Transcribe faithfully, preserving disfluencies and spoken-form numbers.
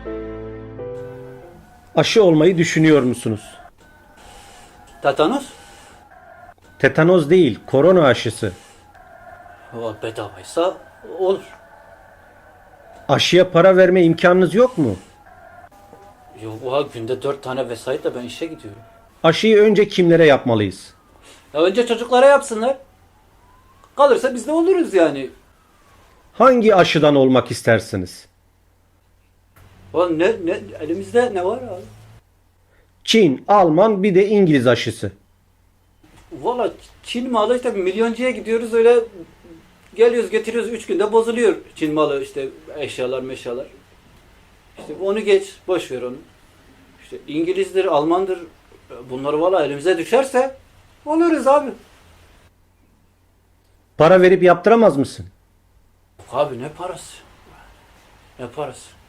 Aşı olmayı düşünüyor musunuz? Tetanos? Tetanoz değil, korona aşısı. O bedavaysa olur. Aşıya para verme imkanınız yok mu? Yok, oha, günde dört tane vesaitle ben işe gidiyorum. Aşıyı önce kimlere yapmalıyız? Ya önce çocuklara yapsınlar. Kalırsa biz de oluruz yani. Hangi aşıdan olmak istersiniz? Oğlum ne, ne, elimizde ne var abi? Çin, Alman bir de İngiliz aşısı. Valla Çin malı işte milyoncuya gidiyoruz öyle geliyoruz getiriyoruz üç günde bozuluyor Çin malı işte eşyalar meşyalar. İşte onu geç boş ver onu. İşte İngilizdir Almandır bunları valla elimize düşerse oluruz abi. Para verip yaptıramaz mısın? Yok abi ne parası? Ne parası?